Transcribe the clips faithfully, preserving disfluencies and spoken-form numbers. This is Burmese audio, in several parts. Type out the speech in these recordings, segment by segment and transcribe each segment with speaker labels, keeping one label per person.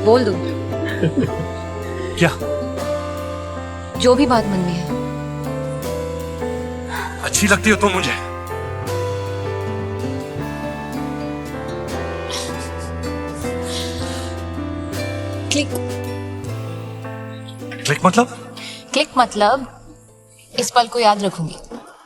Speaker 1: बोल दूं
Speaker 2: क्या
Speaker 1: जो भी बात मन में है
Speaker 2: अच्छी लगती हो तुम मुझे
Speaker 1: क्लिक
Speaker 2: क्लिक मतलब
Speaker 1: क्लिक मतलब इस पल को याद रखूंगी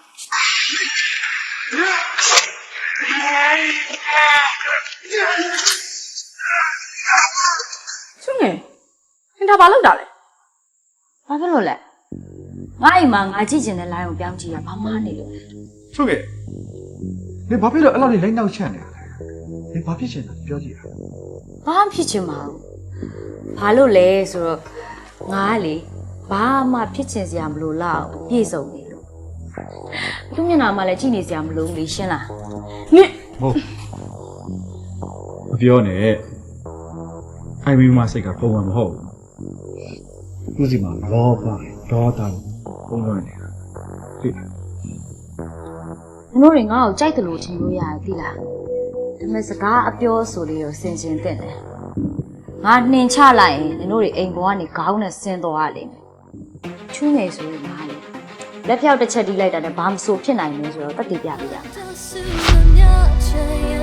Speaker 3: सुने इंटा बालक डालेဘာဖြစ်လို့လဲငါအိမ်မှာငါကြည့်ကျင်တဲ့ line ကိုပြောင်းကြည့်ရဘာမှနေလို့
Speaker 4: ဟုတ်ကဲ့နေဘာဖြစ်လို့အဲ့လောက်နေလိုက်နောက်ချက်နေရလဲနေဘာဖြစ်ချင်တာပြောကြည့်ရ
Speaker 3: ဘာမှဖြစ်ချင်မအောင်ဘာလို့လဲဆိုတော့ငါကလေဘာမှဖြစ်ချင်စရာမလိုလောက်ပြည့်စုံနေလို့သူမျက်နှာမှလည်းကြည့်နေစရာမလိုဘူးလေရှင်းလားနင့်
Speaker 4: ဟုတ်မပြောနဲ့အိုင်မီမစိတ်ကပုံမှန်မဟုတ်ဘူးသူစီမှာလောဘဒေါသပုံလွှမ်းနေတာသိလား
Speaker 3: မင်းတို့တွေငါ့ကိုကြိုက်တယ်လို့ထင်လို့ရတယ်သိလားဒါပေမဲ့စကားအပြောဆိုလေးကိုစင်ကျင်တဲ့တယ်ငါနှင်ချလိုက်ရင်မင်းတို့တွေအိမ်ပေါ်ကနေခေါင်းနဲ့ဆင်းသွားရလိမ့်မယ်ချူးနေဆိုရင်ငါလေလက်ဖြောက်တစ်ချက်တီးလိုက်တာနဲ့ဘာမှမဆိုဖြစ်နိုင်ဘူးဆိုတော့တတ်တည်ပြပေးရမယ်